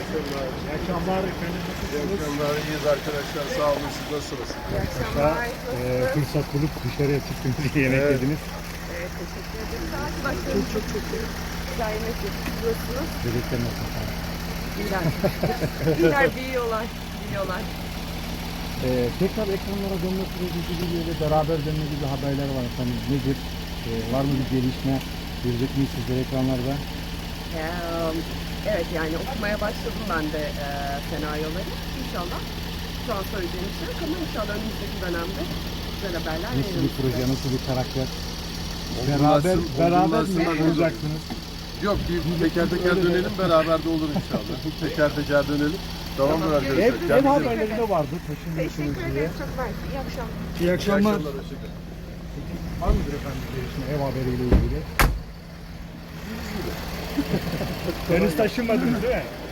akşamlar. İyi akşamlar efendim. İyi akşamlar. İyiyiz arkadaşlar. Sağ olun. Siz nasılsınız? İyi akşamlar. Fırsat bulup dışarıya çıktınız, yemek Evet. yediniz. Evet, teşekkür ederim. Saat başladı. Çok iyi. Güzel yemek yapıyorsunuz. Bebekler nasıl efendim? İyiler. İyiler, büyüyorlar. Büyüyorlar. Tekrar ekranlara dönme süreci gibi ve beraber dönme gibi haberler var efendim. Nedir? Var mı bir gelişme? Görecek miyiz sizler ekranlarda? Evet, yani okumaya başladım ben de senaryoları. İnşallah. Şu an söyleyeceğim bir şey yok ama inşallah önümüzdeki dönemde güzel haberler Nasıl bir veririz proje, size. nasıl bir karakter? Olgunlaşsın- Beraber mi olgunlaşsınlar olacaksınız? Yok, bir teker teker dönelim. Beraber de olur inşallah. Teker teker dönelim. Tamamdır arkadaşlar. Ev Kendinize iyi bakın. haberlerinde vardı. Taşınıyorsunuz Teşekkür diye. ederim. Çok mersi. İyi akşamlar. İyi İyi akşamlar. akşamlar. Hoşçakalın. Var mıdır efendim bir gelişme ev haberiyle ilgili? Henüz taşınmadınız değil mi?